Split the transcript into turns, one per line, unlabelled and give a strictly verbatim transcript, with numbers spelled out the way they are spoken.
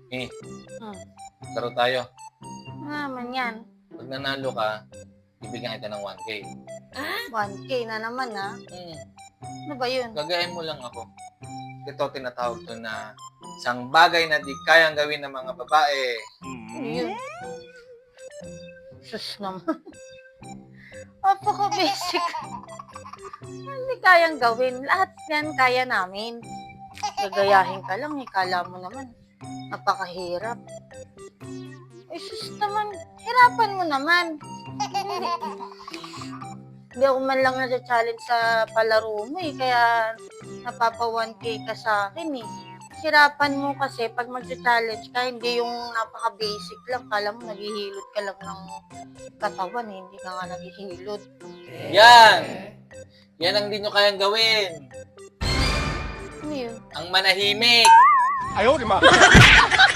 Eh,
Hmm.
laro tayo.
Ano naman yan?
Pag nanalo ka, bibigyan kita ng one K.
one K na naman, ha?
Hmm.
Ano ba yun?
Gagayahin mo lang ako. Ito tinatawag to na isang bagay na di kayang gawin ng mga babae.
Ano yun? Sus naman. Apaka-basic. Hindi kayang gawin. Lahat yan kaya namin. Gagayahin ka lang, ikala mo naman. Napakahirap. Eh, sus naman. Hirapan mo naman. Hindi. Hindi ako man lang nasa-challenge sa palaro mo eh. Kaya napapa one K ka sa akin eh. Hirapan mo kasi pag mag-challenge ka, hindi yung napaka-basic lang. Kala mo naghihilot ka lang ng katawan eh. Hindi ka nga naghihilot.
Yan! Yan ang di nyo kayang gawin.
Ano yun?
Ang manahimik.
Ayaw, di ma.